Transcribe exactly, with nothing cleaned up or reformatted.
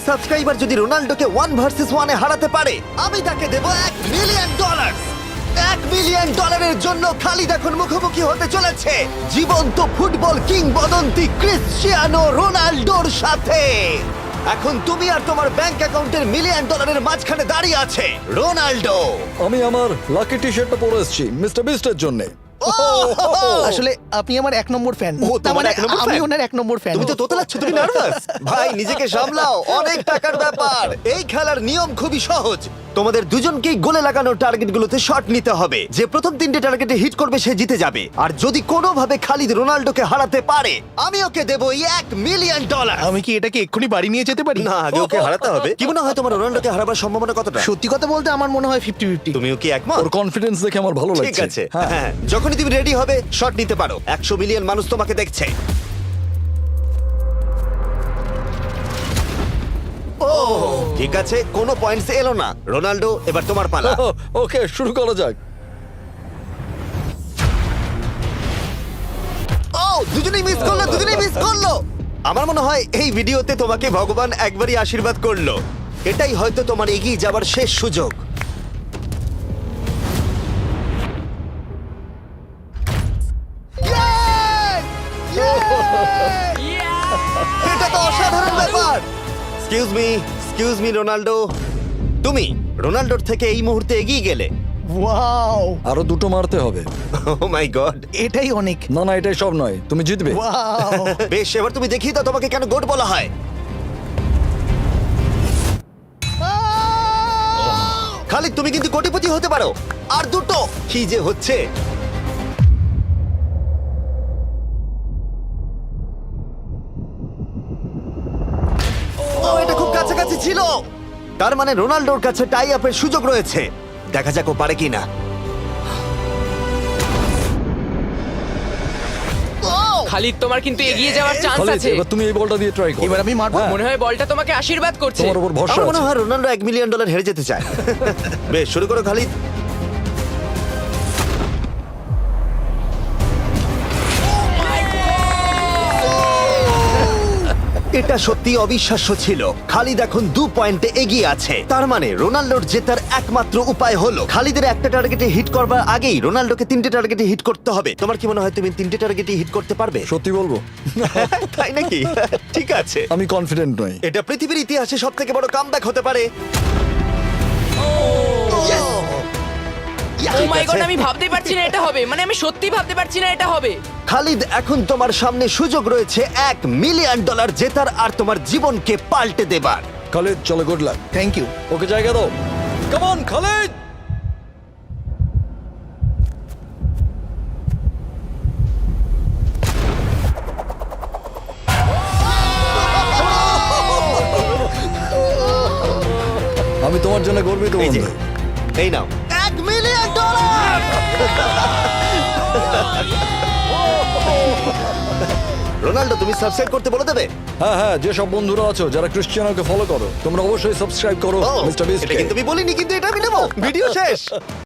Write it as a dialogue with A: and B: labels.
A: Subscriber যদি রোনাল্ডোকে one versus ওয়ানে হারাতে পারে আমি তাকে দেবো এক মিলিয়ন ডলার। এক মিলিয়ন ডলারের জন্য খালিদ এখন মুখোমুখি হতে চলেছে জীবন্ত ফুটবল কিংবদন্তি ক্রিশ্চিয়ানো রোনাল্ডোর সাথে। এখন তুমি আর তোমার ব্যাংক অ্যাকাউন্টের মিলিয়ন ডলারের মাঝখানে দাঁড়িয়ে আছে রোনাল্ডো।
B: আমি আমার লাকি টি শার্টটা পরে এসেছি মিস্টার বিস্টের জন্য।
C: আসলে আপনি আমার এক নম্বর ফ্যান।
A: ও,
C: তার
A: তোমার
C: মানে
A: এক নম্বর
C: আমি
A: fan?
C: ওনার এক নম্বর ফ্যান।
A: তুমি তো তোতলাচ্ছ, তুমি নার্ভাস। ভাই নিজেকে সামলাও, অনেক টাকার ব্যাপার। এই খেলার নিয়ম খুবই সহজ। তোমাদের দুজনকেই গোলে লাগানো টার্গেটগুলোতে শট নিতে হবে। যে প্রথম তিনটে টার্গেটে হিট করবে সে জিতে যাবে। আর যদি কোনোভাবে খালিদ রোনাল্ডোকে হারাতে পারে আমি ওকে দেবো এক মিলিয়ন ডলার।
C: আমি কি এটাকে এক্ষুনি বাড়ি নিয়ে যেতে পারি?
A: না, আগে ওকে হারাতে হবে। কি মনে হয় তোমার রোনাল্ডোকে হারাবার সম্ভাবনা কতটা?
C: সত্যি কথা বলতে আমার মনে হয় ফিফটি ফিফটি।
A: তুমিও কি একমত?
B: ওর কনফিডেন্স দেখে আমার ভালো লাগছে।
A: ঠিক আছে,
B: হ্যাঁ।
A: হ্যাঁ, যখনই তুমি রেডি হবে শট নিতে পারো। একশো মিলিয়ন মানুষ তোমাকে দেখছে। ও ঠিক আছে, কোনো পয়েন্টস এলো না। রোনাল্ডো এবার তোমার পালা।
B: ওকে শুরু করা যাক।
A: ও দুজনেই মিস করলো, দুজনেই মিস করলো। আমার মনে হয় এই ভিডিওতে তোমাকে ভগবান একবারই আশীর্বাদ করলো। এটাই হয়তো তোমার এগিয়ে যাবার শেষ সুযোগ। এটা তো অসাধারণ ব্যাপার। Excuse me, excuse me Ronaldo, তুমি রোনাল্ডোর থেকে এই মুহূর্তে এগিয়ে গেলে।
C: ওয়াও,
B: আরো দুটো মারতে হবে।
A: Oh my god.
C: এটাই অনেক।
B: না না এটাই সব নয়, তুমি জিতবে।
C: ওয়াও,
A: বেশ, এবার তুমি দেখিয়ে দাও তোমাকে কেন গোট বলা হয়। খালিদ তুমি কিন্তু কোটিপতি হতে পারো। আর দুটো কি যে হচ্ছে। ও এটা খুব কাছাকাছি ছিল। তার মানে রোনাল্ডোর কাছে টাই আপের সুযোগ রয়েছে। দেখা যাক ও পারে কিনা।
D: খালিদ তোমার কিন্তু এগিয়ে যাওয়ার চান্স
B: খালিদ,
D: আছে।
B: এবার তুমি এই বলটা দিয়ে ট্রাই করো।
C: এবার আমি মারবো।
B: হ্যাঁ,
D: মনে হয় বলটা তোমাকে আশীর্বাদ করছে।
B: তোমার উপর ভরসা
A: আমার মনে
B: আছে।
A: হয় রোনাল্ডো এক মিলিয়ন ডলার হেরে যেতে চায়। বেশ, শুরু করো খালিদ। এটা সত্যি অবিশ্বাস্য ছিল। খালিদ এখন দু পয়েন্টে এগিয়ে আছে। তার মানে রোনাল্ডোর জেতার একমাত্র উপায় হলো খালিদের একটা টার্গেটে হিট করবার আগেই রোনাল্ডোকে তিনটে টার্গেটে হিট করতে হবে। তোমার কি মনে হয় তুমি তিনটে টার্গেটে হিট করতে পারবে?
B: সত্যি বলবো
A: তাই নাকি? ঠিক আছে,
B: আমি কনফিডেন্ট নই।
A: এটা পৃথিবীর ইতিহাসে সব থেকে বড় কামব্যাক হতে পারে।
D: ও মাই গড, আমি ভাবতে পারছি না এটা হবে। মানে আমি সত্যি ভাবতে পারছি না এটা হবে।
A: খালিদ এখন তোমার সামনে সুযোগ রয়েছে এক মিলিয়ন ডলার জেতার আর তোমার জীবনকে পাল্টে দেবার।
B: খালিদ চলো, good luck.
C: Thank you.
B: Okay জায়গা দাও। Come on Khalid. আমি তোমার জন্য গর্বিত
A: এই যে,
B: বন্ধু।
A: এই নাও এক মিলিয়ন ডলার। রোনাল্ডো তুমি সাবস্ক্রাইব করতে বলে দেবে?
B: হ্যাঁ হ্যাঁ, যে সব বন্ধুরা আছো যারা ক্রিশ্চিয়ানোকে ফলো করো তোমরা অবশ্যই সাবস্ক্রাইব করো
A: ও,
B: মিস্টার বিস্ট।
A: এটা কিন্তু আমি বলিনি, কিন্তু এটা আমি নেবো। ভিডিও শেষ।